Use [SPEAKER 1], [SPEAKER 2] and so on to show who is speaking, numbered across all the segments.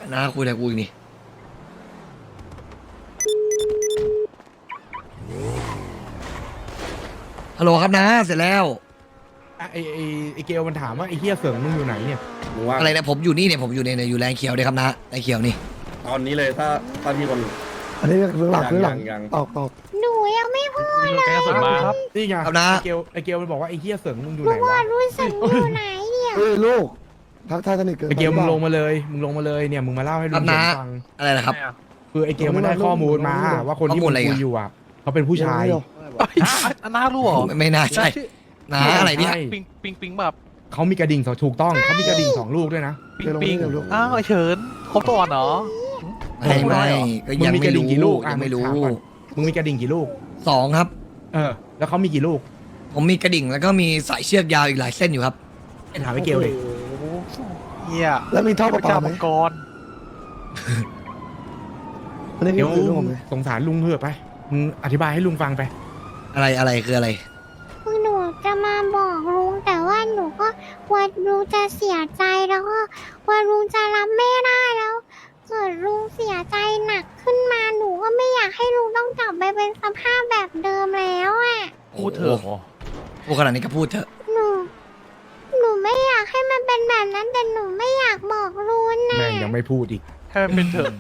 [SPEAKER 1] นะคุยแต่กูอีกนี่ฮัลโหลครับนะเสร็จแล้ว
[SPEAKER 2] ไอเกลมันถามว่าไอเฮียเสืองมึงอยู่ไหนเนี่ย
[SPEAKER 3] ว่า
[SPEAKER 1] อะไรนะผมอยู่นี่เนี่ยผมอยู่ในอยู่แรงเขียวเลยครับนะแรงเขียวนี่
[SPEAKER 3] ตอนนี้เลยถ้ามีคน
[SPEAKER 4] อันนี้เรื่องหลักเรื่องหลัก
[SPEAKER 3] ยัง
[SPEAKER 4] ตอบ
[SPEAKER 5] หนูยังไม่พูดเลย
[SPEAKER 2] ครับนี่ไง
[SPEAKER 1] ครับนะ
[SPEAKER 2] ไอเกลมันบอกว่าไอเฮียเสืองมึงอยู่ไหน
[SPEAKER 5] ว่าว
[SPEAKER 2] ะ
[SPEAKER 5] รู้สึกอยู่ไหนเนี่ย
[SPEAKER 4] เฮ้ยลูกทักทายสนิทเกิน
[SPEAKER 2] ไอเกล
[SPEAKER 4] ไป
[SPEAKER 2] มึง
[SPEAKER 4] ป
[SPEAKER 2] ลงมาเลยเนี่ยมึงมาเล่าให้ลุ
[SPEAKER 1] ครับ
[SPEAKER 2] ง
[SPEAKER 1] นะ
[SPEAKER 2] ฟัง
[SPEAKER 1] อะไรนะครับ
[SPEAKER 2] คือไอเกลมันได้ข้อมูลมาว่าคนที่
[SPEAKER 1] ข้อมู
[SPEAKER 2] มึ
[SPEAKER 1] ล
[SPEAKER 2] ง
[SPEAKER 1] อะไร
[SPEAKER 2] คุ
[SPEAKER 1] อ่ะ
[SPEAKER 2] ยอยู่อ่ะเขาเป็นผู้ชาย
[SPEAKER 6] น่ารู้เหรอ
[SPEAKER 1] ไม่น่าใช่นะอะไรเนี่ย
[SPEAKER 2] ใช่
[SPEAKER 6] ปิงแบบ
[SPEAKER 2] เขามีกระดิ่งสองถูกต้องเขามีกระดิ่ง2 ลูกด้วยนะ
[SPEAKER 6] ปิงอ้าวไอเฉินครบตัวเหรอ
[SPEAKER 1] ไม่ก็ยัง
[SPEAKER 2] มึงมีก
[SPEAKER 1] ไม่
[SPEAKER 2] ระดิ่
[SPEAKER 1] รู้
[SPEAKER 2] งกี่ลูก
[SPEAKER 1] ยังไม่รู้
[SPEAKER 2] ถาก่อนมึงมีกระดิ่งกี่ลูก
[SPEAKER 1] 2ครับ
[SPEAKER 2] แล้วเขามีกี่ลูก
[SPEAKER 1] ผมมีกระดิ่งแล้วก็มีสายเชือกยาวอีกหลายเส้นอยู่ครับ
[SPEAKER 2] ไอถามไอเกลเลย
[SPEAKER 6] เฮีย
[SPEAKER 4] แล้วมีท่อประปา
[SPEAKER 6] เจ้า
[SPEAKER 4] ไหม
[SPEAKER 6] มังกร
[SPEAKER 4] อันนี้
[SPEAKER 2] เดี๋ยว
[SPEAKER 4] คือลูกผมไหม
[SPEAKER 2] สงสารลุงเถอะไปมึงอธิบายให้ลุงฟังไป
[SPEAKER 1] อะไรคืออะไร
[SPEAKER 5] คือหนูจะมาบอกลุงแต่ว่าหนูก็กลัวลุงจะเสียใจแล้วก็กลัวลุงจะรับไม่ได้แล้วเกิดลุงเสียใจหนักขึ้นมาหนูก็ไม่อยากให้ลุงต้องกลับไปเป็นสภาพแบบเดิมแล้วอ่ะ
[SPEAKER 6] พูดเถอะ
[SPEAKER 1] พูดขนาดนี้ก็พูดเถอะ
[SPEAKER 5] หนูไม่อยากให้มันเป็นแบบนั้นแต่หนูไม่อยากบอกลุงนะ
[SPEAKER 2] แม่งยังไม่พูดอีก
[SPEAKER 6] ให้มันเป็นเถอะ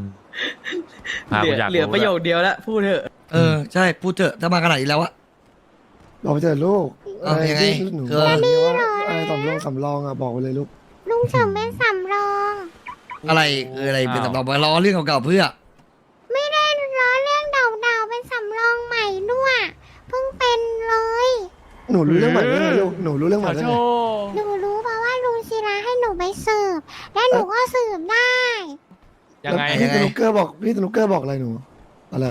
[SPEAKER 7] เหลือประโยคเดียวแล้วพูดเถอะ
[SPEAKER 1] ใช่พูดเถอะถ้ามาขนาดนี้แล้วอะ
[SPEAKER 4] บอกไปเจอลูก
[SPEAKER 1] เอายังไง
[SPEAKER 4] ที่หนู
[SPEAKER 1] คือ
[SPEAKER 4] บอกนี่ว่าอะไรสำรองอ่ะบอกไปเลยลูก
[SPEAKER 5] ลุงเฉิมเป็นสำรอง
[SPEAKER 1] อะไรคืออะไรเป็นสำรองมาล้อเรื่องเก่าๆเพื่อ
[SPEAKER 5] ไม่ได้ล้อเรื่องเดาๆเป็นสำรองใหม่ด้วยเพิ่งเป็นเลย
[SPEAKER 4] หนูรู้เรื่องใหม่ได้ไงลูกหนูรู้เรื่องใหม่ได้ไง
[SPEAKER 5] หนูรู้เพราะว่าลุงศิลาให้หนูไปสืบและหนูก็สืบได้
[SPEAKER 6] ยังไง
[SPEAKER 4] แล้วพี่สนุกเกอร์บอกอะไรหนูอะไร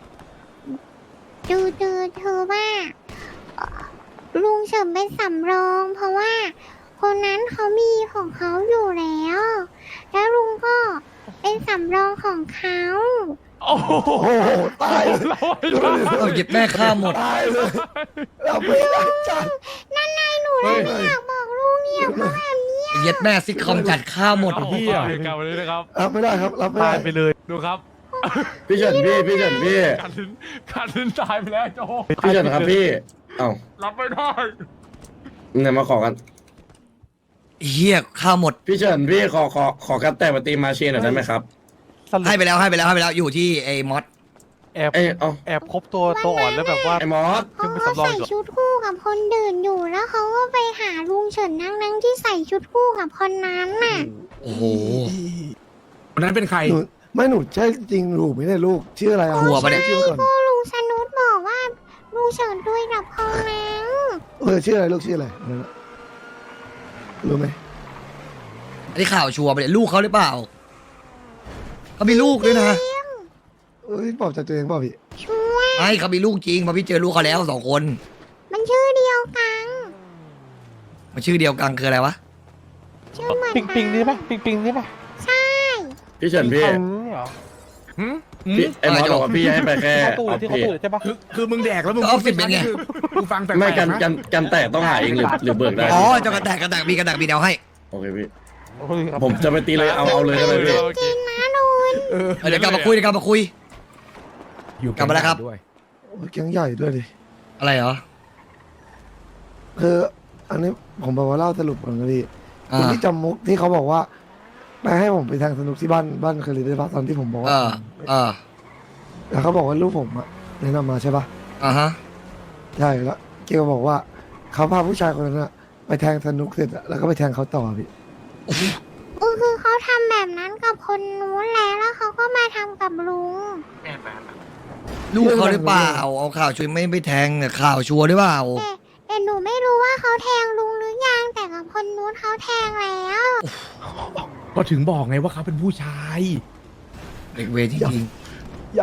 [SPEAKER 5] ดูเธอว่าลุงเฉิมเป็นสำรอง เพราะว่าคนนั้นเขามีของเขาอยู่แล้ว แล้วลุงก็เป็นสำรองของเขา
[SPEAKER 6] โอ้โห
[SPEAKER 4] โอ้โหตายเลย
[SPEAKER 1] เอาหยิบแม่ข้ามหมด
[SPEAKER 4] ตายเลยเราไม่ได้จัด
[SPEAKER 5] นั่นไงหนูเลยไม่อยากบอกลุงเนี่ยเพราะแบบนี้
[SPEAKER 1] เย็ดแม่ซิกคอมจัดข้าวหมด
[SPEAKER 2] เหี้ย
[SPEAKER 6] กลับไปเลยนะครับ
[SPEAKER 4] รับไม่ได้ครับรับไม่ได้
[SPEAKER 6] ตายไปเลยดูครับ
[SPEAKER 3] พี่เฉินพี่
[SPEAKER 6] การลิ้นตายไปแล้วโจ
[SPEAKER 3] พี่เฉินครับพี่เอ้า
[SPEAKER 6] รับไม่ได้
[SPEAKER 3] เนี่ยมาขอกัน
[SPEAKER 1] เฮียข้าวหมด
[SPEAKER 3] พี่เฉินพี่ขอกันแต่มาตีมาเชียหน่อยได้ไหมครับ
[SPEAKER 1] ให้ไปแล้วอยู่ที่ไอ้มอส
[SPEAKER 6] แอบ
[SPEAKER 3] เอ้ยเอ้า
[SPEAKER 6] แอบครบตัวอ่อนแล้วแบบว่า
[SPEAKER 3] ไอ้มอส
[SPEAKER 5] เขา
[SPEAKER 6] เป็น
[SPEAKER 5] ก็
[SPEAKER 6] สำรอง
[SPEAKER 5] ใส่
[SPEAKER 6] อีกเหรอ
[SPEAKER 5] ชุดคู่กับคนดื่นอยู่แล้วเขาก็ไปหาลุงเฉินนั่งที่ใส่ชุดคู่กับคนนั้นน่ะ
[SPEAKER 1] โอ้โห
[SPEAKER 2] คนนั้นเป็นใคร
[SPEAKER 4] หนูใช่จริงลูกไม่ได้ลูกชื่ออะไรอ่ะ
[SPEAKER 1] กลัวปะเนี่ย
[SPEAKER 4] ชื่อก่อน
[SPEAKER 5] ก็ลุงสนุดบอกว่าลุงเฉินด้วยกับคนนั้น
[SPEAKER 4] ชื่ออะไรลูกชื่ออะไรนั่นน่ะรู้ไหม
[SPEAKER 1] อันนี้ข่าวชัวร์ไปเลยลูกเขาหรือเปล่าเขามีลูกด้วยนะ
[SPEAKER 4] ปลอบใจตัวเองเปล่าพี่
[SPEAKER 5] ช่วย
[SPEAKER 1] ไม่เขามีลูกจริงเพราะพี่เจอลูกเขาแล้ว2 คน
[SPEAKER 5] มันชื่อเดียวกัน
[SPEAKER 1] มันชื่อเดียวกันคืออะไรวะ
[SPEAKER 5] ชื่อเหมือน
[SPEAKER 6] ปิงนี่ปะปิงนี่ปะ
[SPEAKER 5] ใช่
[SPEAKER 3] พี่เฉินพี่
[SPEAKER 6] เหรอ
[SPEAKER 3] พี่ไอ้มอสบอกว่าพี่ให้ไปแค่
[SPEAKER 6] เข้าตู้
[SPEAKER 3] ออฟ
[SPEAKER 6] ที่เขา
[SPEAKER 3] พี่
[SPEAKER 6] ตู้ใช่ปะ
[SPEAKER 2] คือมึงแดกแล้วมึง
[SPEAKER 1] ก็ออฟฟิศเป็นไง
[SPEAKER 2] กูฟังแปลกๆ
[SPEAKER 3] ไม่กัน
[SPEAKER 2] นะ
[SPEAKER 3] กันแตกต้องหาเองหรือเบิกได้
[SPEAKER 1] อ๋อเจะกระแตกมีกระแตกมีแนวให้
[SPEAKER 3] โอเคพี่ผมจะไปตีเลยเอาเลยได้ไหมพี่
[SPEAKER 5] จริงนะลุง
[SPEAKER 1] เดี๋ยวกลับมาคุย
[SPEAKER 2] อยู่
[SPEAKER 1] กลับมาแล้วครับ
[SPEAKER 2] ด้วย
[SPEAKER 4] แก๊งใหญ่ด้วยดิ
[SPEAKER 1] อะไรเหรอ
[SPEAKER 4] คืออันนี้ผมบอกว่าเล่าสรุปก่อนนะพี่
[SPEAKER 1] อ่า
[SPEAKER 4] คนที่จำมุกที่เขาบอกว่าไปให้ผมไปทางสนุกที่บ้านเคยเรียนได้ปะตอนที่ผมบอกว่า แล้วเขาบอกว่าลูกผมอะแนะนำมาใช่ปะ
[SPEAKER 1] ฮะ
[SPEAKER 4] ใช่แล้วเกลบอกว่าเขาพาผู้ชายคนนั้นอะไปแทงสนุกเสร็จอะแล้วก็ไปแทงเขาต่อพี่
[SPEAKER 5] คือเขาทำแบบนั้นกับคนนู้นแล้วเขาก็มาทำกับลุง
[SPEAKER 1] ลูกเขาหรือเปล่าเอาข่าวช่วยไม่ไปแทงเนี่ยข่าวชัวร์หรือเปล่า
[SPEAKER 5] แต่หนูไม่รู้ว่าเขาแทงลุงหรือยังแต่กับคนนู้นเขาแทงแล้ว
[SPEAKER 2] ก็ถึงบอกไงว่าเขาเป็นผู้ชาย
[SPEAKER 1] เด็กเวรจริง
[SPEAKER 4] ย้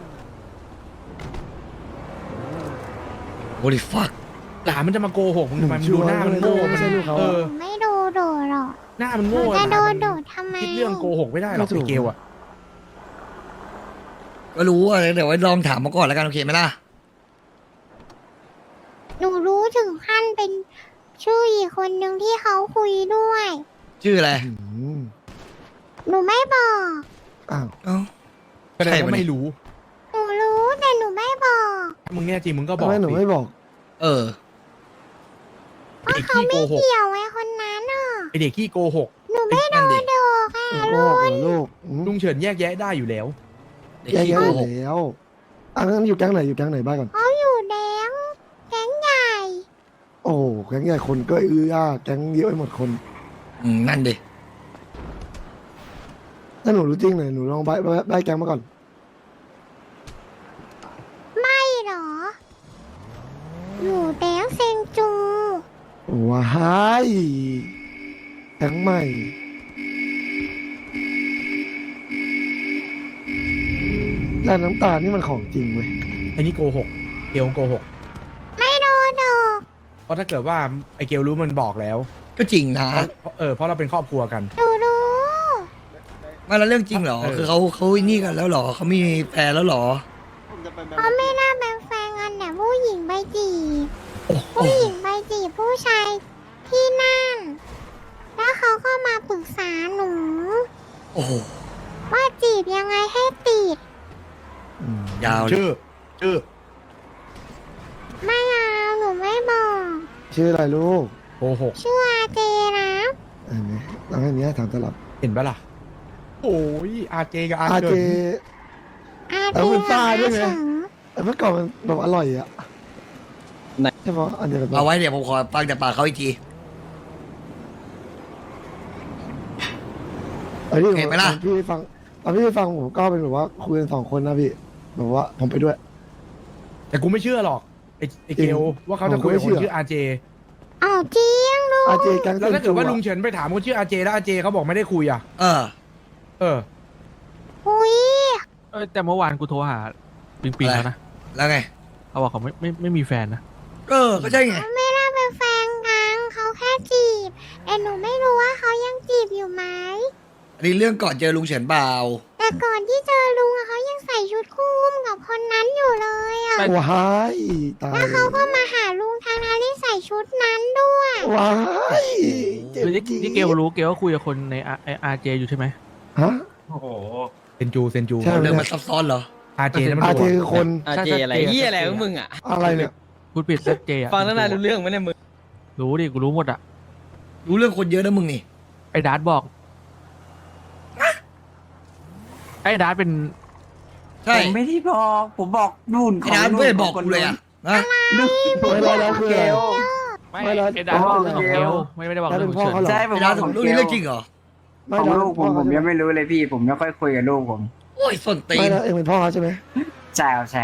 [SPEAKER 1] ๆ holy fuck
[SPEAKER 2] หลานมันจะมาโกหกมึงทำไมมัน
[SPEAKER 4] ชั
[SPEAKER 2] ดู
[SPEAKER 4] วร์
[SPEAKER 2] หน้ามัน
[SPEAKER 4] เลย
[SPEAKER 2] โง่
[SPEAKER 4] ไม่ใช่ลูกเขา
[SPEAKER 2] เออ
[SPEAKER 5] ไม่โดนหรอก
[SPEAKER 2] หน้ามัน
[SPEAKER 5] หนู
[SPEAKER 2] โง่
[SPEAKER 5] จะโดน
[SPEAKER 2] ห
[SPEAKER 5] โด
[SPEAKER 2] ลาน
[SPEAKER 5] ดทำไม
[SPEAKER 2] คิดเรื่องโกหกไม่ได้หรอกไอ้เกลอะ
[SPEAKER 1] ก็รู้อะไรเดี๋ยวไว้ลองถามมาก่อนแล้วกันโอเคไหมล่ะ
[SPEAKER 5] หนูรู้ถึงขั้นเป็นชื่ออีกคนหนึ่งที่เขาคุยด้วย
[SPEAKER 1] ชื่ออะไร
[SPEAKER 4] ำ
[SPEAKER 5] หนูไม่บอก
[SPEAKER 4] อ้าว
[SPEAKER 1] เอ้า
[SPEAKER 2] ก็ได้
[SPEAKER 1] ใช่ปะ
[SPEAKER 2] ว่า
[SPEAKER 1] เนี่ย
[SPEAKER 2] ไม่รู้
[SPEAKER 5] หนูรู้แต่หนูไม่บอก
[SPEAKER 2] ถ้ามึงแน่จริงมึงก็บ
[SPEAKER 4] ทำ
[SPEAKER 2] อก
[SPEAKER 4] ไมหนู
[SPEAKER 2] สิ
[SPEAKER 4] ไม่บอก
[SPEAKER 1] เออ
[SPEAKER 2] ไอ้เด็กขี้โกหก
[SPEAKER 5] เกี่ยวไอ้คนนั้นอ่ะ
[SPEAKER 2] ไอเด็กขี้โกหก
[SPEAKER 5] หนูไม่โด
[SPEAKER 1] นั่นดิ
[SPEAKER 5] นดอกอ่ะ
[SPEAKER 4] โกหกเหรอลูกอืม
[SPEAKER 2] ลุงเฉินแยกแยะได้อยู่แล้ว
[SPEAKER 1] เด็ก
[SPEAKER 4] แย่
[SPEAKER 1] ขี้
[SPEAKER 4] ๆ
[SPEAKER 1] โก
[SPEAKER 4] อยู่
[SPEAKER 1] หก
[SPEAKER 4] แล้วอ่ะงั้นอยู่แก๊งไหนอยู่แก๊งไหนบ้างก่อน
[SPEAKER 5] เขาอยู่แดงแก๊งใหญ่
[SPEAKER 4] โอ้โหแก๊งใหญ่คนก็อื้อแก๊งเยอะไปหมดคน
[SPEAKER 1] นั่นดิ
[SPEAKER 4] ถ้าหนูรู้จริงหน่อยหนูลองใบแก๊งมาก่อน
[SPEAKER 5] ไม่หรอ อยู่แดงเซงจู
[SPEAKER 4] ว้ายแก๊งใหม่แล้วน้ำตาลนี่มันของจริงเว้ย
[SPEAKER 2] ไอ้นี่โกหกเกลโกหก
[SPEAKER 5] ไม่โดนดอก
[SPEAKER 2] เพราะถ้าเกิดว่าไอเกลรู้มันบอกแล้ว
[SPEAKER 1] ก็จริงนะ
[SPEAKER 2] เพราะเราเป็นครอบครัวกัน
[SPEAKER 5] หนูรู้
[SPEAKER 1] ไมาแล้วเรื่องจริงเหรอ
[SPEAKER 2] เออ
[SPEAKER 1] คือเขานี่กันแล้วเหรอเขามีแฟนแล้วเหรอ
[SPEAKER 5] เขาไม่น่าเป็นแฟนกันแต่ผู้หญิงไปจีบผู้หญิงไปจีบผู้ชายที่นั่น แล้วเขาก็มาปรึกษาหนู
[SPEAKER 1] โอ้โห
[SPEAKER 5] ว่าจีบยังไงให้ติด
[SPEAKER 1] ยาวเลย
[SPEAKER 2] ชื่อ
[SPEAKER 5] ไม่เอาหนูไม่บอก
[SPEAKER 4] ชื่ออะไรลูก
[SPEAKER 2] โกหก
[SPEAKER 5] ชื่ออาเจนะ
[SPEAKER 4] อันนี้ตอนนี้ถามตลับ
[SPEAKER 2] เห็นปะล่ะโอ้ยอาเจกับอา
[SPEAKER 4] อา
[SPEAKER 2] เจ
[SPEAKER 4] เจ
[SPEAKER 5] อา
[SPEAKER 4] เอา
[SPEAKER 5] เจ
[SPEAKER 4] เป็นฝ้าด้วยไง
[SPEAKER 5] อาเฉิง
[SPEAKER 4] เมื่อก่อนมันแบบอร่อยอ่ะใช่ปะอันเดียวกันปะ
[SPEAKER 1] เอาไว้เดี๋ยวผมขอฟังจากปากเขาอีกที
[SPEAKER 4] เอ้ยพี่
[SPEAKER 1] เห็นไหมล่ะ
[SPEAKER 4] พี่ฟังตอนพี่ฟังผมก็เป็นแบบว่าคุยกัน2 คนนะพี่แบบว่าผมไปด้วย
[SPEAKER 2] แต่กูไม่เชื่อหรอกไอเกลว่าเขาจะคุยกับคนชื่ออาเจ
[SPEAKER 5] เอาจริงดู
[SPEAKER 4] อาเจแก๊ง
[SPEAKER 2] แล้วถ้าเกิดว่าลุง
[SPEAKER 4] เฉิน
[SPEAKER 2] เฉินไปถามคนชื่ออาเจแล้วอาเจเขาบอกไม่ได้คุยอ่ะ
[SPEAKER 1] เออ
[SPEAKER 2] เออ
[SPEAKER 5] อุ้ย
[SPEAKER 6] แต่เมื่อวานกูโทรหาปิงปิงแล้วนะ
[SPEAKER 1] แล้วไง
[SPEAKER 6] เขาบอกเขาไม่มีแฟนนะ
[SPEAKER 1] เออ ก็ใช่ไง
[SPEAKER 5] ไม่ได้เป็นแฟนกันเขาแค่จีบแต่หนูไม่รู้ว่าเขายังจีบอยู่ไหม
[SPEAKER 1] อันนี้เรื่องก่อนเจอลุงเฉินเปล่า
[SPEAKER 5] แต่ก่อนที่เจอลุงอะเขายังใส่ชุดคู่อุ้มกับคนนั้นอยู่เลยอะ
[SPEAKER 4] ว้ายตาย
[SPEAKER 5] เขาก็มาหาลุงทางนั้นที่ใส่ชุดนั้นด้วย
[SPEAKER 4] ว้ายเจ็บ
[SPEAKER 6] คือที่
[SPEAKER 4] จี๊ด
[SPEAKER 6] ที่เกลรู้เกลก็คุยกับคนในอาร์เจอยู่ใช่ไหม
[SPEAKER 4] ฮะ
[SPEAKER 2] เซนจู
[SPEAKER 4] ใช่
[SPEAKER 1] เรื่องมันซับซ้อนเหรอ
[SPEAKER 2] อาเจนั่นมัน
[SPEAKER 4] อาเจ
[SPEAKER 2] ตัว
[SPEAKER 4] คือคน
[SPEAKER 7] อาเจอะไรเฮียอะไรของมึงอ่ะ
[SPEAKER 4] อะไรเนี่ย
[SPEAKER 6] พูดผิดเซตเจอะ
[SPEAKER 7] ฟังตั้งนานรู้เรื่องไหมเนี่ยมึง
[SPEAKER 6] รู้ดิกูรู้หมดอะ
[SPEAKER 1] รู้เรื่องคนเยอะนะมึงนี่
[SPEAKER 6] ไอ้ดาร์ตบอกไอ้ดาร์ตเป็น
[SPEAKER 1] ใช่
[SPEAKER 7] ผมไม่ได้บอกผมบอกนู่น
[SPEAKER 1] ไอ้ดานไม่ได้บอกกูเลยอะนะ
[SPEAKER 7] นู่น
[SPEAKER 4] ไม่ได้แล้วคืออะไร
[SPEAKER 6] ไม่
[SPEAKER 4] ไม่แล้ว
[SPEAKER 6] ไอ้ดาร์ตบอกเรื่องของ
[SPEAKER 4] อ๋อ
[SPEAKER 6] เกลไม่ได้บอก
[SPEAKER 4] แล้ว
[SPEAKER 6] เรื่
[SPEAKER 4] เป็
[SPEAKER 6] อง
[SPEAKER 4] น
[SPEAKER 6] ของ
[SPEAKER 4] พ่อ
[SPEAKER 6] เฉิน
[SPEAKER 4] เขาเหรอ
[SPEAKER 7] ใช่ผม
[SPEAKER 1] ไอ้
[SPEAKER 7] บ
[SPEAKER 1] ดา
[SPEAKER 7] อน กของ
[SPEAKER 1] รู้
[SPEAKER 7] เก
[SPEAKER 1] นี่
[SPEAKER 7] ล
[SPEAKER 1] เรื่องจริงเหรอ
[SPEAKER 4] ไม่
[SPEAKER 7] ของ
[SPEAKER 4] แล้ว
[SPEAKER 7] ลูกผมยังไม่รู้เลยพี่ ผมไม่ค่อยคุยกับลูกผม
[SPEAKER 1] โอ้ยส้นตี
[SPEAKER 4] ไม่
[SPEAKER 1] น
[SPEAKER 4] แล้วเองเป็นพ่อเขาใช่ไหม
[SPEAKER 7] ใช่ครับใช่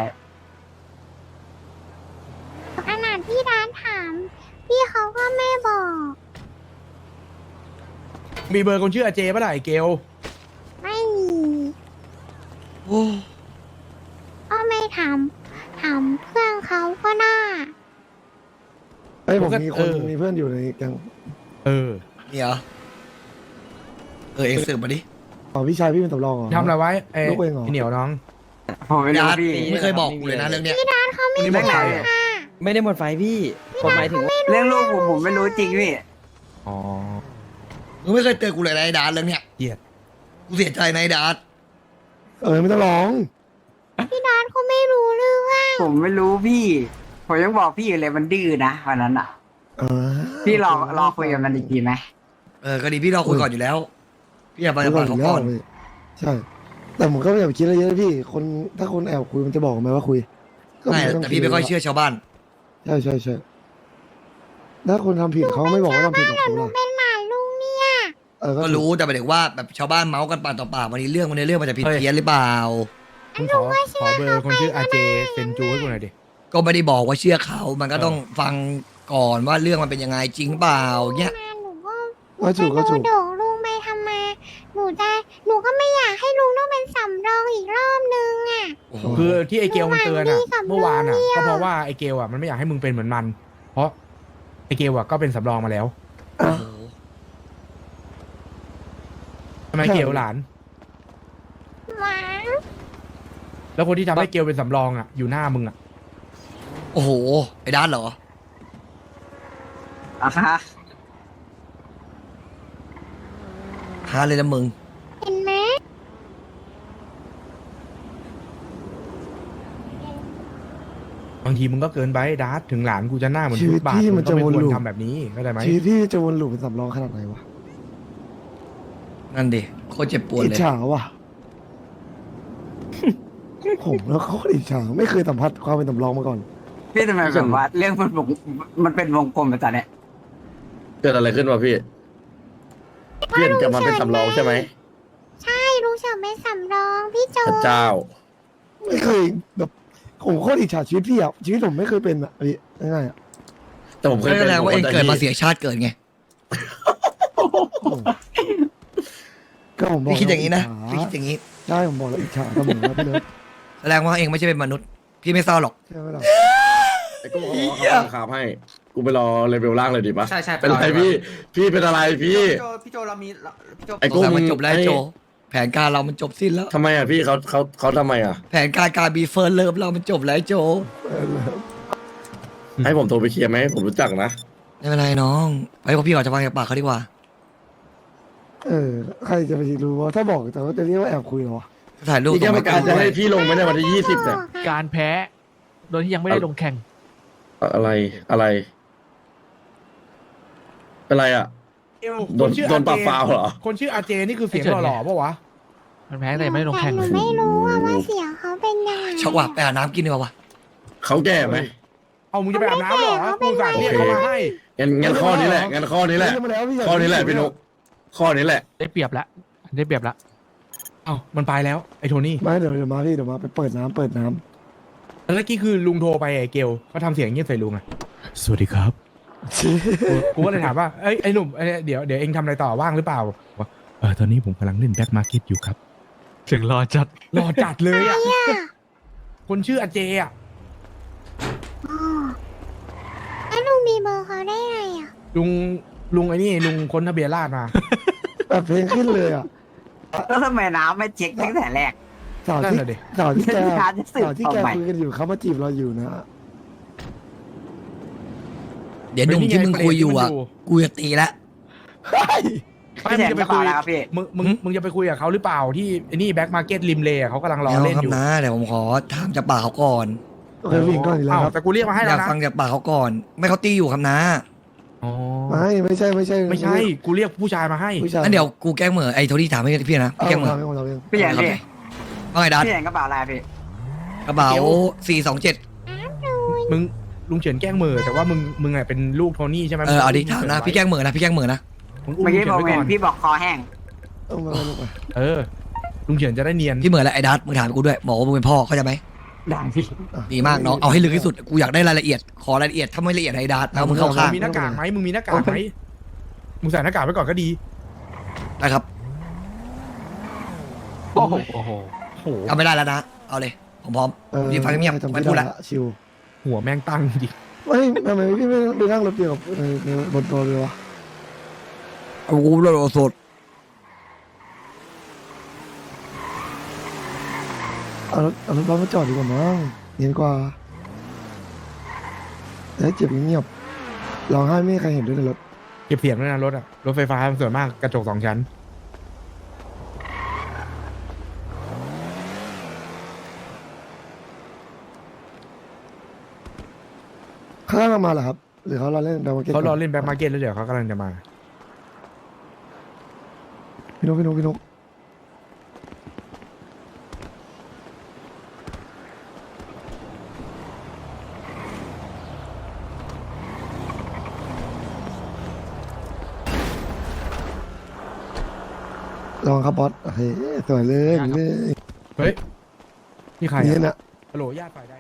[SPEAKER 5] ขนาดพี่ร้านถาม พี่เขาก็ไม่บอก
[SPEAKER 2] มีเบอร์คนชื่ออาเจป่ะล่ะไอเกล
[SPEAKER 5] ไม่มี
[SPEAKER 1] โอ้
[SPEAKER 5] ก็ไม่ถามเพื่อนเขาก็ได้
[SPEAKER 4] ไอ้ยผมมีคนมีเพื่อนอยู่ในแก๊ง
[SPEAKER 2] เออ
[SPEAKER 1] นี่เหรอ เออเอ็กซ์สืบมาดิ
[SPEAKER 4] อ๋อพี่ชายพี่เป็นสำรองเหรอ
[SPEAKER 2] ทำอะไรไว้ไอ้
[SPEAKER 4] ลูกเองเหรอ
[SPEAKER 2] ไอ้เหนียวน้อง
[SPEAKER 7] ผมไม่รู้
[SPEAKER 1] ดาร์ต
[SPEAKER 7] พี่
[SPEAKER 1] ไม่เคยบอกกูเลยนะเรื่องเนี้ย
[SPEAKER 2] คนนี้บอกใครอะ
[SPEAKER 7] ไม่ได้หมดไฟพี่ผมหมายถึงเรื่องลูกผมไม่รู้จริงพี่
[SPEAKER 2] อ๋อ
[SPEAKER 1] มึงไม่เคยเตือนกูเลยนะไอ้ดาร์ตเรื่องเนี้ย
[SPEAKER 2] เกลียด
[SPEAKER 1] กูเสียใจนะไอ้ดาร์ต
[SPEAKER 4] ไม่ต้องร้อง
[SPEAKER 5] พี่ร้านเขาไม่รู้เรื่อง
[SPEAKER 7] ผมไม่รู้พี่ ผมยังบอกพี่อยู่เลยมันดื้อนะวันนั้นอ่ะ
[SPEAKER 4] เออ
[SPEAKER 7] พี่รอคุยกับมันอีกทีไหม
[SPEAKER 1] เออก็ดีพี่เราคุยก่อนอยู่แล้ว พี่อย่าไปปากเขาก่อน
[SPEAKER 4] ใช่ แต่ผมก็ไม่อยากไปคิดอะไรเยอะนะพี่ คนถ้าคนแอบคุยมันจะบอกไหมว่าคุยก็
[SPEAKER 1] ไม่
[SPEAKER 4] ต้ง
[SPEAKER 1] แต่พี่ไม่ค่อยเชื่อชาวบ้าน
[SPEAKER 4] ใช่ใช่ใช่ถ้าคนทำผิดเขาไม่บอกว่าทำผิดหรอก
[SPEAKER 5] แต่
[SPEAKER 4] ถูก
[SPEAKER 5] หนู
[SPEAKER 4] ป่ะ
[SPEAKER 5] เป็นหมาลุงเนี่ย
[SPEAKER 1] ก็รู้แต่หมายถึงว่าแบบชาวบ้านเมาส์กันปากต่อปากวันนี้เรื่องมันจะผิดเพี้ยนหรือเปล่า
[SPEAKER 2] มึงขอเบอร์คนชื่ออาเจเซนจูให้กูหน่อยดิ
[SPEAKER 1] ก็ไม่ได้บอกว่าเชื่อเขา มันก็ต้องฟังก่อนว่าเรื่องมันเป็นยังไงจริงเปล่าเงี้ย
[SPEAKER 5] มาหนูก็
[SPEAKER 4] ก็ถูกก็
[SPEAKER 5] จะ
[SPEAKER 4] ถูก
[SPEAKER 5] โดดลุงไปทำไมหนูก็ไม่อยากให้ลุงต้องเป็นสำรองอีกรอบนึงอ่ะ
[SPEAKER 1] โอ้โห
[SPEAKER 2] คือที่ไอเกลมันเตือนอ่ะ
[SPEAKER 5] หวานดีกับ
[SPEAKER 2] เมื่อวานอ่ะ
[SPEAKER 5] เรื่องเดียว
[SPEAKER 2] ก็เพราะว่าไอเกลอ่ะมันไม่อยากให้มึงเป็นเหมือนมัน เพราะไอเกลอ่ะก็เป็นสำรองมาแล้ว
[SPEAKER 4] อ่ะ
[SPEAKER 2] ทำไมเกลหลาน
[SPEAKER 5] หวาน
[SPEAKER 2] แล้วคนที่ทำให้เกลเป็นสำรองอ่ะอยู่หน้ามึงอ่ะ
[SPEAKER 1] โอ้โห ไอ้ด้านเหรอ
[SPEAKER 7] อ่ะฮะ
[SPEAKER 1] ฮาเลยนะมึง
[SPEAKER 5] เห็น
[SPEAKER 2] บางทีมึงก็เกินไปดาร์ทถึงหลานกูจะหน้าเหมือน
[SPEAKER 4] ชีวิต
[SPEAKER 2] บาท
[SPEAKER 4] พี่
[SPEAKER 2] มึ
[SPEAKER 4] มัน
[SPEAKER 2] งก็
[SPEAKER 4] จะ
[SPEAKER 2] ไม่
[SPEAKER 4] วน
[SPEAKER 2] ควร
[SPEAKER 4] ลูป
[SPEAKER 2] ทำแบบนี้เข้าใจไหม
[SPEAKER 4] ชีวิตพี่จะวนลูปเป็นสำรองขนาดไหนวะ
[SPEAKER 1] นั่นดิโคตรเจ็บปวด
[SPEAKER 4] อิจ
[SPEAKER 1] เลย
[SPEAKER 4] ฉาว่ะ ผมแล้วเขาก็อิจฉาไม่เคยสัมผัสความเป็นสำรองมาก่อน
[SPEAKER 7] พี่ทำไมแบบว่าเรื่องมันเป็นวงกลมแบบตอนเนี้ย
[SPEAKER 3] เกิดอะไรขึ้นวะพี่เปลี่ยนกลับมาเป็นสำรองใช่ไหม
[SPEAKER 5] ใช่ลุงเฉินเป็นสำรองพี่โจ
[SPEAKER 3] พระเจ้า
[SPEAKER 4] ไม่เคยแบบผมโคตรอิจฉาชีวิตพี่อ่ะชีวิตผมไม่เคยเป็นอ่ะพี่ง่ายๆอ่ะ
[SPEAKER 3] แต่ผมเคย
[SPEAKER 1] ก็
[SPEAKER 3] เป็
[SPEAKER 1] แส
[SPEAKER 3] น
[SPEAKER 1] ดงว่าเอง
[SPEAKER 3] ผม
[SPEAKER 1] เกิดมา
[SPEAKER 3] ข้ใจ
[SPEAKER 1] เสียชาติเกิดไง
[SPEAKER 4] ก็ผมบอก
[SPEAKER 1] พี่คิดอย่างนี้นะ
[SPEAKER 4] อิจฉ
[SPEAKER 1] พี่คิดอย่างนี้
[SPEAKER 4] ใช่ผมบอกแล้วอิจฉาเสมอนะพี่เลิฟ
[SPEAKER 1] แสดงว่าเองไม่ใช่เป็นมนุษย์ พี่ไม่เศร้าหรอก
[SPEAKER 4] ใช่ไหมล่ะ
[SPEAKER 3] ไอ้กูขอเขาบังคับให้ กูไปรอเลเวลล่างเลยดีปะ
[SPEAKER 7] ใช่ใช่
[SPEAKER 3] เป็นไรพี่ พี่เป็นอะไรพี่
[SPEAKER 7] พี่โจเรามีพี่โจ
[SPEAKER 3] ไอ้
[SPEAKER 1] ส
[SPEAKER 3] กู
[SPEAKER 1] งสัยมันจบแล้วไอ้โจ แผนการเรามันจบสิ้นแล้ว
[SPEAKER 3] ทำไมอ่ะพี่เขาทำไมอ่ะ
[SPEAKER 1] แผนการบีเฟิร์นเลิฟเรามันจบแล้วไอ้โจ
[SPEAKER 3] ให้ผมโทรไปเคลียร์ไหมผมรู้จักนะ
[SPEAKER 1] ไม่เป็นไรน้องไว้พวกพี่ก่อนจะฟังจากปากเขาดีกว่า
[SPEAKER 4] ใครจะไปรู้ว่าถ้าบอกแต่ว่าจะเรียกว่าแอบคุยเหรอวะ
[SPEAKER 1] ถ่ายรูป
[SPEAKER 3] พี่แก้ว
[SPEAKER 1] ส่
[SPEAKER 3] ประ
[SPEAKER 1] ง
[SPEAKER 3] กาศจะให้พี่ลงไหมในวันที่20เนี่ย
[SPEAKER 6] การแพ้ โดยที่ยังไม่ได้ลงแข่ง
[SPEAKER 3] อะไรเป็นไรอ่ะ โดน
[SPEAKER 2] คชื่อ
[SPEAKER 3] โดนปรับ
[SPEAKER 2] RJ
[SPEAKER 3] ฟาวล์เหรอ
[SPEAKER 2] คนชื่ออาเจนี่คือเสียง
[SPEAKER 6] ไม่เฉิน
[SPEAKER 2] หล่อๆปะวะ
[SPEAKER 6] มันแพ้แต่ยังไม่ได้ลงแข่ง
[SPEAKER 5] หนูไม่รู้ว่าเสียงเขาเป็นยังไง
[SPEAKER 1] ชักว่าไปหาน้ำกินดีกว่าวะ
[SPEAKER 3] เขาแก่ไหม
[SPEAKER 2] เอามึงจะไปอาบน้ำเหรอกูสั่งเรียกเขามาให้
[SPEAKER 3] งั้นข้อนี้แหละงั้นข้อนี้แหละ
[SPEAKER 4] เรียกมาแล้วพี่
[SPEAKER 3] ข้อนี้แหละพี่นุกข้อนี้แหละ
[SPEAKER 6] ได้เปรียบแล้วได้เปรียบแล้ว
[SPEAKER 2] เอ้ามันไปแล้วไอ้โทนี่
[SPEAKER 4] ไม่เดี๋ยวมาพี่เดี๋ยวมาไปเปิดน้ำ
[SPEAKER 2] แล้วเมื่อกี้คือลุงโทรไปไอ้เกลเขาทำเสียงเงียบใส่ลุงอะสวัสดีครับ กูก็เลยถามว่าไอ้หนุ่มเดี๋ยวเองทำอะไรต่อว่างหรือเปล่าบอกตอนนี้ผมกำลังเล่นแบ็คมาร์เก็ตอยู่ครับ
[SPEAKER 6] ถึงรอจัด
[SPEAKER 2] รอจัดเลยอ่ะ คนชื่ออาเจอ่ะ
[SPEAKER 5] อ๋อแล้วลุงมีเบอร์เขาได้ไงอ่ะ
[SPEAKER 2] ลุงไอ้นี่ลุงค้นทะเบียนราษฎร์มา
[SPEAKER 4] แบบเพลงขึ้นเลยอ่ะ
[SPEAKER 7] แล้วทำไมน้ำไม่เช็คตั้งแต่แรก
[SPEAKER 4] สาว
[SPEAKER 2] นั่น
[SPEAKER 4] ที่
[SPEAKER 2] แหละดิ
[SPEAKER 4] สาวที่แก
[SPEAKER 7] การจะสืบ
[SPEAKER 4] สาวที่แก
[SPEAKER 7] ต่อไป
[SPEAKER 4] คุยกันอยู่เขามาจีบเราอยู่นะ
[SPEAKER 1] เดี๋ยวหนุ่มที่มึงคุยอยู่อ่ะ กูจะตีแล้ว
[SPEAKER 2] ไม่
[SPEAKER 7] พี่
[SPEAKER 2] มึ
[SPEAKER 7] แท
[SPEAKER 2] ง
[SPEAKER 7] น
[SPEAKER 2] จะ
[SPEAKER 7] ก
[SPEAKER 2] ไป
[SPEAKER 7] ระ
[SPEAKER 2] คุ
[SPEAKER 7] เป๋าย แล้วครับพี่
[SPEAKER 2] มึงจะไปคุยกับเขาหรือเปล่าที่ไอ้นี่แบ็คมาร์เก็ตริมเลย์เขากำลังรอ
[SPEAKER 1] ไม่เอา
[SPEAKER 2] เล่น
[SPEAKER 1] ครั
[SPEAKER 2] อบ ยู่
[SPEAKER 1] นะเดี๋ยวผมขอถามจากปากเขาก่อน
[SPEAKER 4] โอเควิ่งก่อนอีกแล้วครับ
[SPEAKER 2] แต่กูเรียกมาให้
[SPEAKER 1] อ
[SPEAKER 2] แล้
[SPEAKER 1] ยาว ก
[SPEAKER 2] นะ
[SPEAKER 1] ฟังจากปากเขาก่อน ไม่เขาตีอยู่ครับนะ
[SPEAKER 2] อ๋อ
[SPEAKER 4] ไม่ใช่
[SPEAKER 2] ไม่ใช่ กูเรียกผู้ชายมาให้
[SPEAKER 4] ผู้ชาย
[SPEAKER 1] งั้นเดี๋ยวกูแกล้งเหมือไอ้โทนี่ถามให้พี่นะ
[SPEAKER 4] เอา
[SPEAKER 1] พี่แกล้งเหมือ
[SPEAKER 4] ทำให้ผมทำเอง
[SPEAKER 7] พี่แทนพี่
[SPEAKER 1] ว่าไงดัด
[SPEAKER 7] พี่แทนกระเป๋าอะไรพี่
[SPEAKER 1] กระเป๋า
[SPEAKER 2] เดี๋ยว
[SPEAKER 1] 427
[SPEAKER 2] มึงลุงเฉินแกล้งมือแต่ว่ามึงอ่ะเป็นลูกโทนี่ใช่ไหม
[SPEAKER 1] เอาดิถามนะพี่แกล้งเหมือนะพี่แกล้งเหมือนะ
[SPEAKER 2] มึงอุ้ม
[SPEAKER 7] เมื่อ
[SPEAKER 2] ลุ
[SPEAKER 7] กี้
[SPEAKER 2] ง
[SPEAKER 7] บ
[SPEAKER 2] เฉิ
[SPEAKER 7] อน ก
[SPEAKER 2] ไว้
[SPEAKER 7] เห็
[SPEAKER 2] ก่อน น
[SPEAKER 7] พี่บอกคอแห้ง
[SPEAKER 4] เอามาลูกมา
[SPEAKER 2] ลุงเฉินจะได้เนียน
[SPEAKER 1] พี่เหมือแล้วไอ้ดัดมึงถามกูด้วยบอกว่ามึงเป็นพ่อเข้าใจไหม
[SPEAKER 7] ได้พี่
[SPEAKER 1] ดีมากน้องเอาให้ลึกที่สุดกูอยากได้รายละเอียดขอรายละเอียดถ้าไม่ละเอียดไอ้ดัดเอามึงเข้าข้าง
[SPEAKER 2] มีหน้ากากไหมมึงมีหน้ากากไหมมึงใส่หน้ากากไว้ก่อนก็ดี
[SPEAKER 1] นะครับ
[SPEAKER 6] โอ้โห
[SPEAKER 2] โอ้โห
[SPEAKER 1] เอาไม่ได้แล้วนะเอาเลยผมพร้อมยืนฟังเงียบ
[SPEAKER 4] จำ
[SPEAKER 1] ไม่
[SPEAKER 4] ไม่
[SPEAKER 1] พูด
[SPEAKER 4] ได้
[SPEAKER 1] ละ
[SPEAKER 4] ละชิว
[SPEAKER 2] หัวแม่งตั้งดิ
[SPEAKER 4] ไม่ทำไมพี่ไม่ไปนั่งรถเดียวกับในบนตัวเลยวะ
[SPEAKER 1] เอากูเลยสด
[SPEAKER 4] เอารถบัสมาจอดดีกว่ามั้งเนียนกว่าแต่ถ้าเจ็บเงียบร้องไห้ไม่มีใครเห็นด้วยในรถ
[SPEAKER 2] เก็บเสียงด้วยนะรถอะรถไฟฟ้าส่วนมากกระจก2 ชั้น
[SPEAKER 4] ข้างล่างมาเหรอครับ หรือเขารอเล่นแบงค์มาร์เก็ต
[SPEAKER 2] เขารอเล่นแบ็คมาร์เก็ตแล้วเดี๋ยวเขากำลังจะมา
[SPEAKER 4] พี่นุ๊กลองครับบอสโอเคสวยเลยเลย
[SPEAKER 2] เฮ้ยนี่ใคร
[SPEAKER 4] นี่
[SPEAKER 2] อะ
[SPEAKER 4] นะ
[SPEAKER 2] ฮัลโหลญาติฝ่ายใด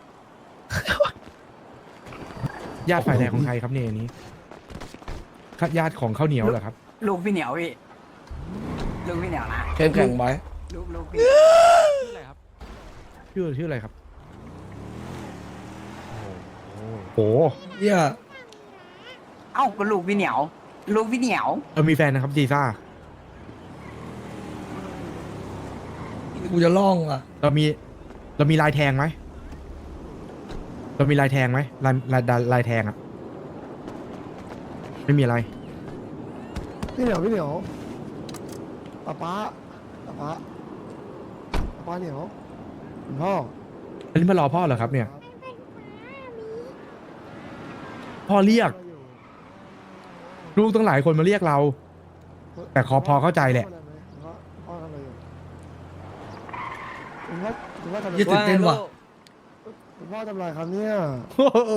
[SPEAKER 2] ญาติฝ่ายใดของใครครับเนี่ยอันนี้ญาติของข้าวเหนียวเหรอครับ
[SPEAKER 7] ลูกพี่เหนียวพี่ลูกพี่เหนียวนะ
[SPEAKER 1] เข้มแข็งไว้
[SPEAKER 7] ลูกพี่
[SPEAKER 6] ชื่ออะไรครับ
[SPEAKER 2] ชื่ออะไรครับโอ้โห
[SPEAKER 1] เหี้ย
[SPEAKER 7] เอ้าก็ลูกพี่เหนียว ลูกพี่เหนียว
[SPEAKER 2] มีแฟนนะครับจีซ่า
[SPEAKER 1] กูจะล่องอ่ะ
[SPEAKER 2] เรามีลายแทงไหมเรามีลายแทงไหมลายแทงอะไม่มีอะไร
[SPEAKER 4] พี่เหนียวป๊าเหนียวคุณพ่อ
[SPEAKER 2] อันนี้มารอพ่อเหรอครับเนี่ยพ่อเรียก ลูกตั้งหลายคนมาเรียกเรา แต่พอเข้าใจแหละ
[SPEAKER 4] พ่อทำอะไรอยู่คุณพ่อคุณพ่อทำอะไร
[SPEAKER 1] ยึด ตื่นเต้นว่ะ
[SPEAKER 4] คุณพ่อทำอะไรครับเนี่ย
[SPEAKER 2] โอ้โห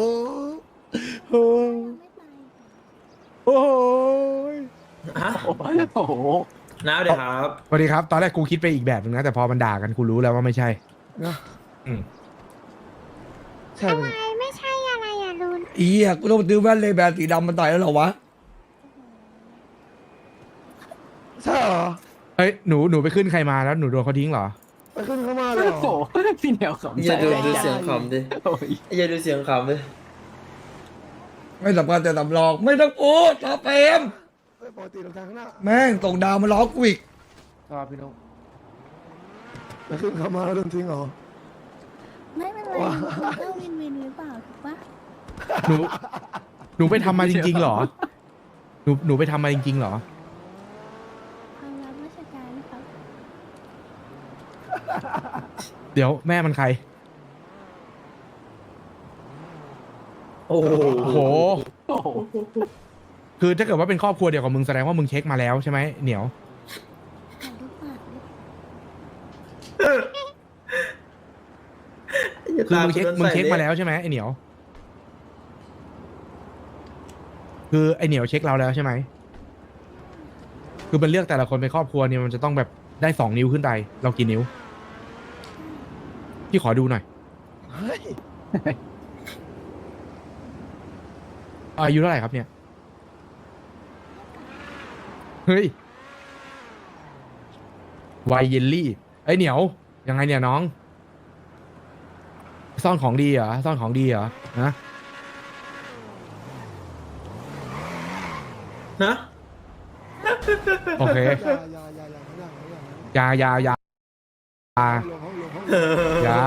[SPEAKER 2] โอ้ย
[SPEAKER 7] โอ้โห
[SPEAKER 8] น้าเดี๋ยวครับ
[SPEAKER 2] สวัสดีครับ ตอนแรกกูคิดไปอีกแบบนึงนะ แต่พอมันด่ากันกูรู้แล้วว่าไม่ใช่
[SPEAKER 4] นะ
[SPEAKER 2] อืม
[SPEAKER 4] ใช่ไหม
[SPEAKER 5] ไม่ใช่อะไรอ่ะลุง
[SPEAKER 1] อีอ่ะกูต้องซื้อแว่นเลยแบรนด์สีดำมันต่อยแล้วเหรอวะ
[SPEAKER 4] ใช่เหรอ
[SPEAKER 2] เอ้ยหนูไปขึ้นใครมาแล้วหนูโดนเขาทิ้งเหรอ
[SPEAKER 4] ไปขึ้นเข้ามาเลยเหรอ
[SPEAKER 7] โอ้โหพี่เหนียวขำ
[SPEAKER 8] อย่าดู
[SPEAKER 7] ใจ
[SPEAKER 8] เสียงขำดิ
[SPEAKER 7] โอ้ย
[SPEAKER 8] อย่าดูเสียงขำดิ
[SPEAKER 1] ไม่สำคัญแต่สำรองไม่ต้องพูดรอเปรม
[SPEAKER 4] เฮ้ยปกติลงทางข้างหน้า
[SPEAKER 1] แม่งส่งดาวมาล้อกูอีก
[SPEAKER 4] ครับพี่น้องไปขึ้นเข้ามาแล้วโดนทิ้งเหรอ
[SPEAKER 9] ไม่เป็นไร
[SPEAKER 4] ว้า
[SPEAKER 9] มันก็วินวินหรือเปล่าถูกปะ
[SPEAKER 2] หนูไปทำมาจริงๆเหรอ หนูไปทำมาจริงๆเหรอ
[SPEAKER 9] ความรับราชการครับ
[SPEAKER 2] เดี๋ยวแม่มันใคร
[SPEAKER 8] โอ้โห
[SPEAKER 2] โอ้โห
[SPEAKER 7] โอ้โห
[SPEAKER 2] คือถ้าเกิดว่าเป็นครอบครัวเดียวกับมึงแสดงว่ามึงเช็คมาแล้วใช่ไหมเหนียว
[SPEAKER 9] ถ่ายรูปปากดิ
[SPEAKER 2] คือมึงเช็คมาแล้วใช่ไหมไอเหนียว คือไอเหนียวเช็คเราแล้วใช่ไหม คือมันเลือกแต่ละคนเป็นครอบครัวเนี่ยมันจะต้องแบบได้2 นิ้วขึ้นไป เรากี่นิ้ว พี่ขอดูหน่อย
[SPEAKER 4] เฮ้ย
[SPEAKER 2] อายุเท่าไหร่ครับเนี่ย เฮ้ยวัยเยลลี่ไอยเหนียว ยังไงเนี่ยน้อง ซ่อนของดีเหรอ ซ่อนของดีเหรอ ฮะ
[SPEAKER 8] นะ
[SPEAKER 2] โอเค
[SPEAKER 4] อย่า
[SPEAKER 2] อยา
[SPEAKER 4] อย่า
[SPEAKER 2] อยา
[SPEAKER 4] ห้องลงห้อง
[SPEAKER 2] อยา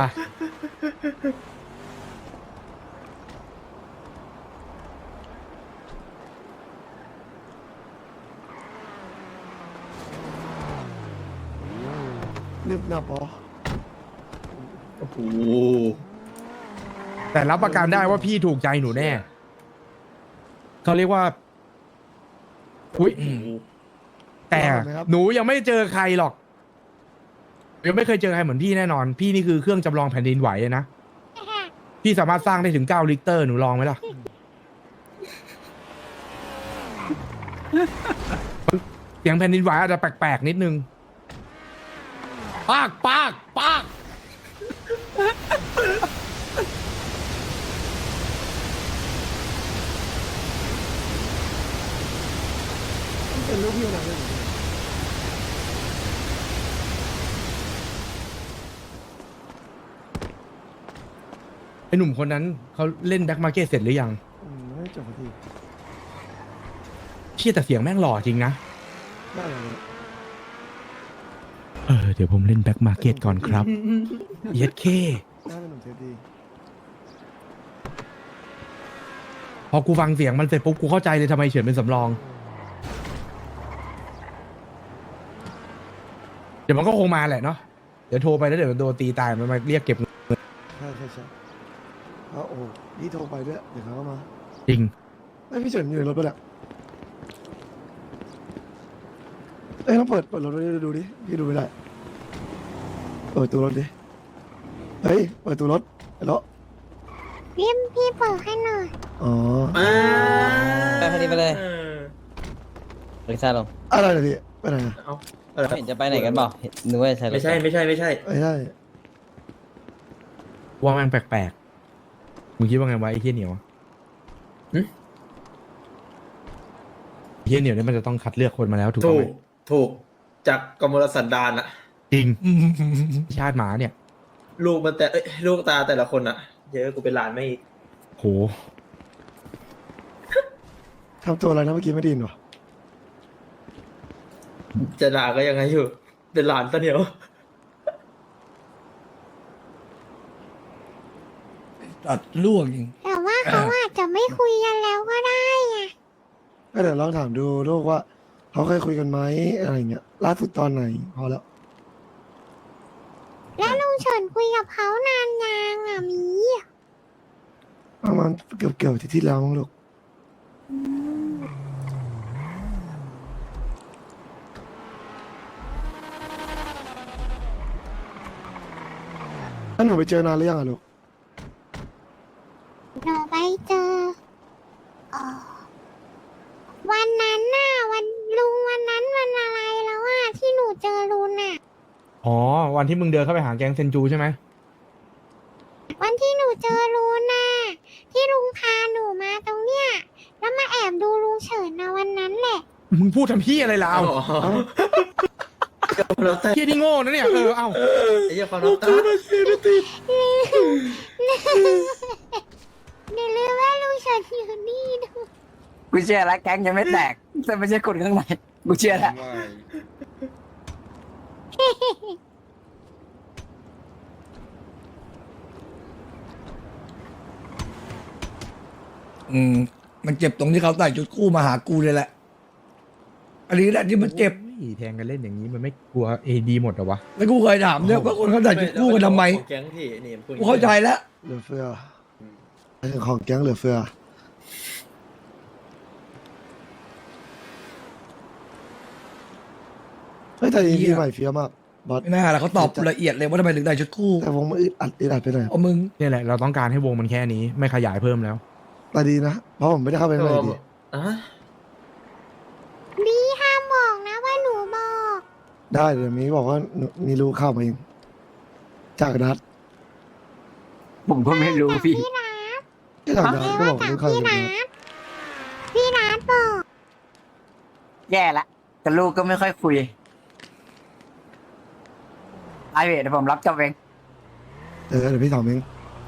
[SPEAKER 4] นึบหนับอ๋อ
[SPEAKER 8] โอ้โห
[SPEAKER 2] แต่รับประกันได้ว่าพี่ถูกใจหนูแน่ เขาเรียกว่า อุ้ยแต่หนูยังไม่เจอใครหรอก ยังไม่เคยเจอใครเหมือนพี่แน่นอน พี่นี่คือเครื่องจำลองแผ่นดินไหวเลยนะ พี่สามารถสร้างได้ถึง9 ลิตรหนูลองไหมล่ะ เสียงแผ่นดินไหวอาจจะแปลกๆนิดนึง ปากปากปาก
[SPEAKER 4] เป็นลูกพี่หนังเลย
[SPEAKER 2] ไอหนุ่มคนนั้นเขาเล่นแบ็คมาร์เก็ตเสร็จหรือยัง
[SPEAKER 4] ไม่จบพอดี
[SPEAKER 2] เชี่ยแต่เสียงแม่งหล่อจริงนะ
[SPEAKER 4] ได้เลย
[SPEAKER 2] เดี๋ยวผมเล่นแบ็คมาร์เก็ตก่อนครับ เย็ดเค
[SPEAKER 4] ได้เป็นหนุ่มเทปดี
[SPEAKER 2] พอกูฟังเสียงมันเสร็จปุ๊บกูเข้าใจเลยทำไมเฉินเป็นสำรอง เดี๋ยวมันก็คงมาแหละเนาะ เดี๋ยวโทรไปแล้วเดี๋ยวโดนตีตายมันมาเรียกเก็บเงิน
[SPEAKER 4] ใช่โอ้โหนี่โทรไปด้วยเดี๋ยวเขาก็มา
[SPEAKER 2] จริง
[SPEAKER 4] ไม่พี่เฉินอยู่ในรถปะเนี่ยเอ้ยต้องเปิดรถดูดิพี่ดูไม่ได้เปิดตัวรถดิเฮ้ยเปิดตัวรถแล้ว
[SPEAKER 5] พี่เปิดให้หน่อย
[SPEAKER 4] อ๋อ
[SPEAKER 7] ไปพอดีไปเลยลิซ่าลง
[SPEAKER 4] อะไรนะพี่ไปไหนอะ
[SPEAKER 8] เอาอะไร
[SPEAKER 7] เห็นจะไปไหนกันเปล่านึกว่าจะใช่
[SPEAKER 8] ไม่ใช่ไม่ใช่ไม่ใช่
[SPEAKER 4] ไม่ใช่
[SPEAKER 2] ว่าแม่งแปลกๆ มึงคิดว่าไงวะไอ้เฮี้ยเหนียวไอ้เฮี้ยเหนียวเนี่ยมันจะต้องคัดเลือกคนมาแล้วถูก
[SPEAKER 8] ถู
[SPEAKER 2] ไหม
[SPEAKER 8] กถูกจากกมลสันดานอะ
[SPEAKER 2] จริง ชาติหมาเนี่ย
[SPEAKER 8] ลูกมันแต่เอ้ยลูกตาแต่ละคนอะเยอะกูเป็นหลานไม่อีก
[SPEAKER 2] โห
[SPEAKER 4] ทำตัวอะไรนะเมื่อกี้ไม่ไดยินหรอ
[SPEAKER 8] จะด่าก็ยังไงอยู่ เป็นหลานซะเหนียว
[SPEAKER 1] ตัดล่วงจริง
[SPEAKER 5] แต่ว่าเขาอาจจะไม่คุยกันแล้วก็ได้ไง
[SPEAKER 4] ก็เดี๋ยวลองถามดูลูกว่าเขาเคยคุยกันไหมอะไรเงี้ยล่าสุดตอนไหนพอแล้ว
[SPEAKER 5] แล้วลุงเฉินคุยกับเขานานยังอ่ะหมี
[SPEAKER 4] ประมาณเกือบที่แล้วมั้งลูก
[SPEAKER 9] อืม
[SPEAKER 4] ถ้าหนูไปเจอนานหรือยังอะลูก
[SPEAKER 5] หนูไปเจอเอ่อวันนั้นน่ะวันลุงวันนั้นวันอะไรแล้วอ่ะที่หนูเจอลุงน่ะ
[SPEAKER 2] อ๋อ วันที่มึงเดินเข้าไปหาแก๊งเซนจูใช่ไหม
[SPEAKER 5] วันที่หนูเจอลุงน่ะที่ลุงพาหนูมาตรงเนี้ยแล้วมาแอบดูลุงเฉินนะวันนั้นแหละ
[SPEAKER 2] มึงพูดทำพี่อะไรล่ะเอา
[SPEAKER 8] อ๋อเราแต่
[SPEAKER 2] เฮียที่โง่นะเนี่ยเอา
[SPEAKER 8] ไอ้เหี้ยความรักตา
[SPEAKER 5] หนูลืมว่าลุงเฉินอยู่นี่ดู
[SPEAKER 7] กูเชื่อแล้วแก๊งยังไม่แตกแต่ไม่ใช่คนข้างในกูเชื่อแล้ว
[SPEAKER 1] มันเจ็บตรงที่เขาใส่ชุดคู่มาหากูเลยแหละ อันนี้แหละที่มันเจ็บ
[SPEAKER 2] โอ้ยแทงกันเล่นอย่างนี้มันไม่กลัวเอดีหมดเหรอวะ
[SPEAKER 1] แล้วกูเคยถามเนี่ยว่าคนเขาใส่ชุดคู่กันทำไม
[SPEAKER 8] ของแก๊งพี่นี่พูด
[SPEAKER 1] กูเข้าใจแล้ว
[SPEAKER 4] เหลือเฟือไอ้ของแก๊งเหลือเฟือเฮ้ยแต่อีพีใหม่เฟี้ยวมากบอส
[SPEAKER 1] ไม่น่าละเขาตอบละเอียดเลยว่าทำไมถึงได้ชุดคู่
[SPEAKER 4] แต่วงมันอึดอัดไปหน่อย
[SPEAKER 1] เอามึง
[SPEAKER 2] เนี่ยแหละเราต้องการให้วงมันแค่นี้ไม่ขยายเพิ่มแล้ว
[SPEAKER 4] แต่ดีนะ เพราะผมไม่ได้เข้าไปข้างในดี
[SPEAKER 8] อ่ะ
[SPEAKER 5] ดีห้ามบอกนะว่าหนูบอก
[SPEAKER 4] ได้เดี๋ยวมีบอกว่ามีรู้เข้ามาเอง จากนัด
[SPEAKER 7] ผมก็ไม่รู้พี่
[SPEAKER 5] พี่นัท
[SPEAKER 4] ที่จากนัดก็
[SPEAKER 5] ว่า
[SPEAKER 4] บอก
[SPEAKER 5] จาก
[SPEAKER 4] รู้เข้า
[SPEAKER 5] พี่
[SPEAKER 4] มา
[SPEAKER 5] นั
[SPEAKER 4] เอง
[SPEAKER 5] ทพี่นัทบอก
[SPEAKER 7] แย่ละแต่ลูกก็ไม่ค่อยคุยไอเวทเดี๋ยวผมรับจอบเอง
[SPEAKER 4] เดี๋ยวพี่ถามเอง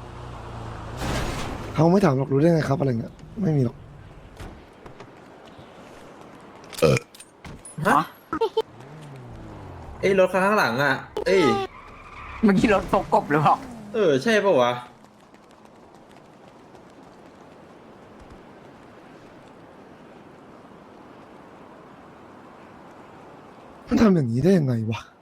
[SPEAKER 4] เขาไม่ถามหรอกรู้ได้ไงครับอะไรเงี้ยไม่มีหรอก
[SPEAKER 8] ฮะเอ้ยรถข้างหลังอ่ะ เอ้ย
[SPEAKER 7] เมื่อกี้รถพกกบหรือเปล่า
[SPEAKER 8] ใช่ป่าวะ
[SPEAKER 4] มันทำอย่างนี้ได้ยังไงวะ